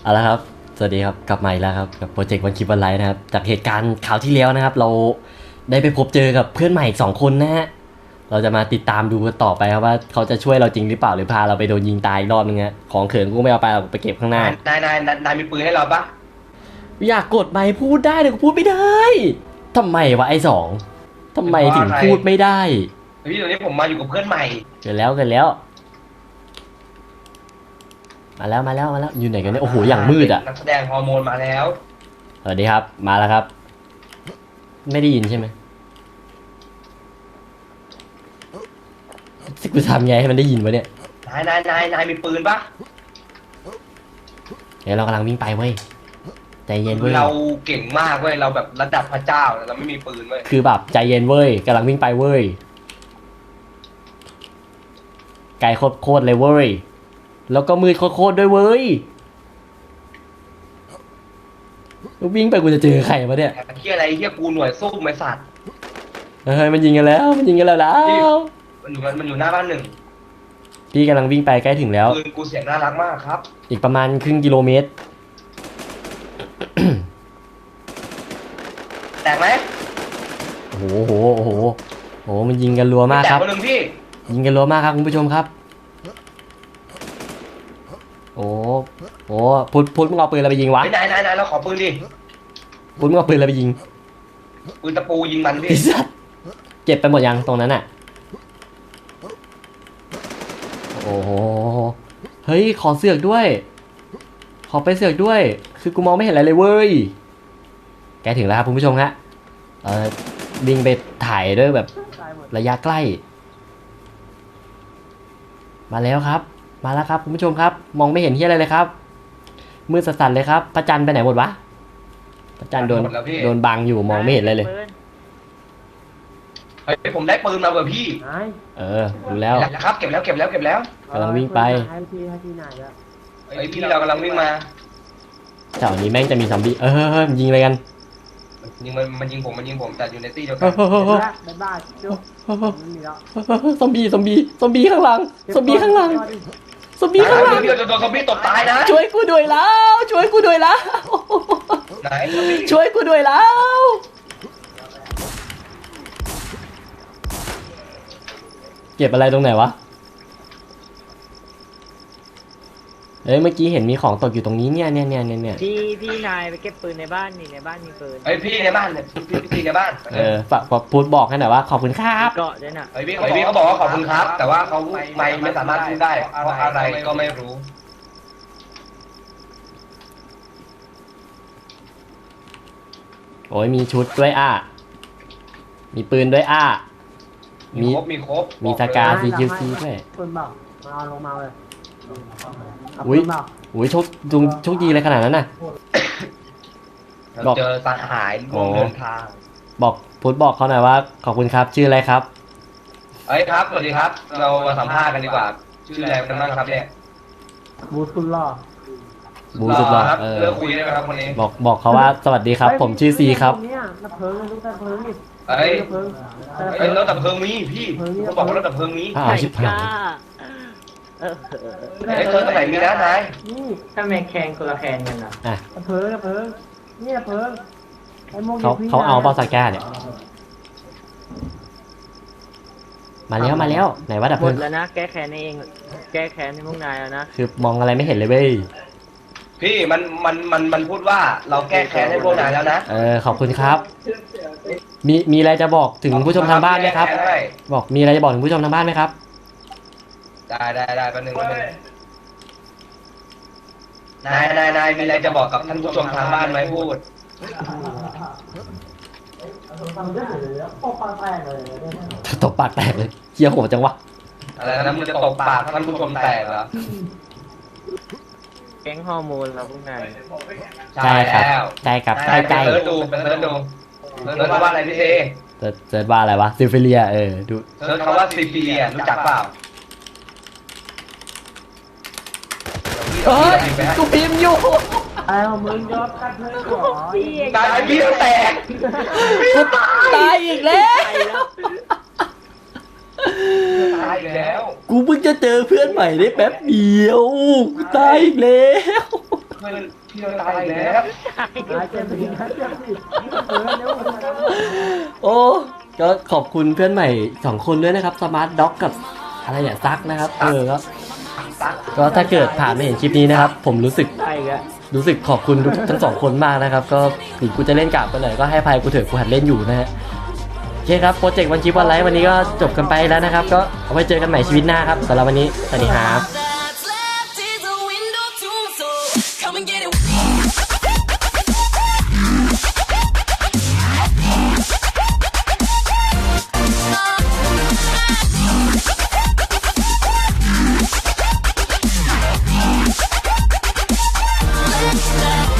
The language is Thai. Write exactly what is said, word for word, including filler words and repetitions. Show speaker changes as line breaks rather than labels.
เอาละครับสวัสดีครับกลับมาอีกแล้วครับกับโปรเจกต์วันคลิปวันไลฟ์นะครับจากเหตุการณ์ข่าวที่แล้วนะครับเราได้ไปพบเจอกับเพื่อนใหม่อีกสองคนนะฮะเราจะมาติดตามดูกันต่อไปครับว่าเขาจะช่วยเราจริงหรือเปล่าหรือพาเราไปโดนยิงตายอีกรอบนึงฮะของเขินกูไม่เอาไปเราไปเก็บข้างหน้าน
ายนายนายนายมีปืนให้เราปะ
อยากกดไมค์พูดได้แต่กูพูดไม่ได้ทำไมวะไอ้สองทำไมถึงพูดไม่ได้
พี่ตอนนี้ผมมาอยู่กับเพื่อนใหม่
เกิดแล้วเกิดแล้วมาแล้วมาแล้วมาแล้วอยู่ไหนกันเนี่ยโอ้โหอย่างมืดอ่ะ
นักแสดงฮอร์โมนมาแล้ว
สวัสดีครับมาแล้วครับไม่ได้ยินใช่ไหมสิกูทำไงให้มันได้ยินวะเนี่ย
นายนายนายนายมีปืนปะ
เดี๋ยวเรากำลังวิ่งไปเว้ยใจเย็นเว้ย
เราเก่งมากเว้ยเราแบบระดับพระเจ้าเราไม่มีปืนเว้ย
คือแบบใจเย็นเว้ยกำลังวิ่งไปเว้ยไกลโคตรๆเลยเว้ยแล้วก็มืดโคตรๆด้วยเว้ยวิ่งไปกูจะเจอใครวะเนี่ย
เฮียอะไรเฮียกูหน่วยสู้ไอ้สัตว์
เฮ้ยมันยิงกันแล้วมันยิงกันแล้วแล้ว
มันอยู่มันอยู่หน้าบ้านหนึ่ง
พี่กำลังวิ่งไปใกล้ถึงแล้ว
ปืนกูเสียงน่ารักมากครับ
อีกประมาณครึ่งกิโลเมตร
แตกไหม
โอ้โหโอ้โหโอ้โหโอ้โหมันยิงกันรัวมาก
แต
ค
ก
รับ
คนหนึ่งพี่
ยิงกันรัวมากครับคุณผู้ชมครับโอ้โหพุทธพุทธมึงเอาปืนอะไรไปยิงวะ
ไอ้นายนายนายเราขอปืนดิ
พุทธมึงเอาปืนอะไรไปยิง
ปืนตะปูยิงมันพี่
ไอ้สัสเจ็บไปหมดยังตรงนั้นอ่ะโอ้โหเฮ้ยขอเสือกด้วย ขอไปเสือกด้วย คือกูมองไม่เห็นอะไรเลยเว้ยแกถึงแล้วครับคุณผู้ชมฮะเออวิ่งไปถ่ายด้วยแบบระยะใกล้ มาแล้วครับ มาแล้วครับคุณผู้ชมครับ มองไม่เห็นที่อะไรเลยครับมืดสั่นๆเลยครับพระจันทร์ไปไหนหมดวะพระจันทร์โดนโดนบังอยู่มองไม่เห็นอะไรเลย
เฮ้ยผมได้ปืนมาเว้ยพี่
เออดูแล้ว
แล้วครับเก็บแล้วเก็บแล้วเก็บแล้ว
กำลังวิ่งไป
ให้พี่ให้พี่นายแล้ว
เฮ้ยพี่เรากำลังวิ่งมา
แถวนี้แม่งจะมีซอมบี้เออเฮ้ยเฮ้ยมันยิงอะไรกัน
ยิงมันมันยิงผมมันยิงผมแต่อยู่ในตี้เดียวกั
เฮ้ย
น
เฮ้ยเฮ้ยเฮ้ย
บ๊ายบายจุ๊บไม่มีแล้ว
ซอมบี้ซอมบี้ซอมบี้ข้างหลังซอมบี้ข้างหลังซอมบี้ข้างหลัง
พี่เราจะโดนซอมบี้ตบตายนะ
ช่วยกูด้วยแล้ว ช่วยกูด้วยแล้ว
ไหน
ช่วยกูด้วยแล้ว เก็บอะไรตรงไหนวะเอ้ยเมื่อกี้เห็นมีของตกอยู่ตรงนี้เนี่ยเนี่ยเนี่ยเนี่ย
พี่พี่นายไปเก็บปืนในบ้านนี่ในบ้านมีปืน
เฮ้ยพี่ในบ้านเนี่ยพี่พี่ในบ้าน
เออฝากฝากพูดบอกให้หน่อยว่าขอบคุณครับ
เกาะด้วยน่ะ
เฮ้ยพี่พี่เขาบอกว่าขอบคุณครับ แต่ว่าเขาไม่ไม่สามารถพูดได้เพราะอะไรก็ไม่รู้
โอ้ยมีชุดด้วยอ่ะมีปืนด้วยอ่ะ
มีครบมีครบ
มีสกา ซี คิว ซี ด้วย
ปืนเปล่ามาเอาลงมาเลยเอา
อุ๊
ปื
ย
นเปล่า
โอ้ยโชคดวงโชคดีเลยขนาดนั้นน่ะ
เราเจอสหายร่วมเดินทาง
บอกพูดบอกเขาหน่อยว่าขอบคุณครับชื่ออะไรครับ
เฮ้ยครับสวัสดีครับ เรามาสัมภาษณ์กันดีกว่า ชื่ออะไรกันบ้างครับเนี่ย
บูทุนล่อ
บูสุดหล่อ
ครับ
เออ
เลิกคุยได้ไหมครับคนนี้
บอกบอกเขาว่าสวัสดีครับ ผมชื่อซีครับ
เนี่ยน้ำเพิงลูกน้ำเพิงนี่
เฮ้ย
น้ำเพิง
เฮ้ยรถดับเพลิงมีพี่เขาบอกว่ารถดับเพลิงมี
อ้าวชิบหาย
เออ
เฮ้ยเพิงตรงไหนมีนะนาย
นี่
ถ้าแม่แคนคนละแคนกันอ่ะ
อ่ะ
น้ำเพิงน้ำเพิงนี่น้ำเพิงไอ้โมง
เขาเขาเอาเปาสก้าเนี่ยมาแล้วมาแล้วไหนว่าดับ
หม
เพลิ
ด
ง
แล้วนะแก้แค้นเอง แก้แค้นในพวกนายแล้วนะ
คือมองอะไรไม่เห็นเลยเว้ย
พี่มันมันมันมันพูดว่าเราแก้แค้นให้พวกนายแล้วนะ
เออขอบคุณครับ มีมีอะไรจะบอกถึงผู้ชมทางบ้านไหมครับ
แก้แนให้
บอกมีอะไรจะบอกถึงผู้ชมทางบ้านไหมครับ
ได้ได้ได้แป๊บนึงแป๊บนึงนายนายนายมีอะไรจะบอกกับท่านผู้ชมทางบ้านไหมพูด
ทำได้เลยโอ้ปลาแตกเลย
ตบปากแตกเลยเคี้ยวโหดจังวะ
อะไรนะมึงจะตบปากท่านผู้ชมแตกเหรอ
แก๊งฮอร์โมนเราพวกนาย
ใช่ครับ
แล้ว
ใช่ครับ
นา
ใช่
ยไป
ใช่
เสิร์ชดูไปเสิร์ชดูเสิร์ชว่าอะไรพี่เอ
เซิร์ชเซิร์ชว่าอะไรวะซิฟิเลียเออดู
เสิร์ชคำว่าซีพีอ่ะรู้จักเปล่า
เฮ้ยกูพิมพ์อยู่
ไอ้มึงยอมกัดเลยหรอ
ตายพี่แตก
กูตายอีกแล้ว
ตายอีกแล้ว
กูเพิ่งจะเจอเพื่อนใหม่ได้แป๊บเดียวกูตายอีกแล้ว
เพื่อนพี่เราตายอีกแล้ว
ตายเจ็บสิครับเจ็บสิเออเร็วมาแล้ว
โอ้ก็ขอบคุณเพื่อนใหม่สองคนด้วยนะครับสมาร์ทด็อกกับอะไรเนี่ยซักนะครับเออก็ก็ถ้าเกิดผ่านมาเห็นคลิปนี้นะครับ ผมรู้สึก
ใช่กะ
รู้สึกขอบคุณทุกทั้งสองคนมากนะครับ ก็ถึงกูจะเล่นกาบกันหน่อยก็ให้อภัยกูเถอะกูหัดเล่นอยู่นะฮะโอเคครับโปรเจกต์วันชิปวันไลฟ์วันนี้ก็จบกันไปแล้วนะครับ ก็เอาไว้เจอกันใหม่ชีวิตหน้าครับสำหรับวันนี้สวัสดีครับ
That's left is a window to my soul. Come and get it. Let's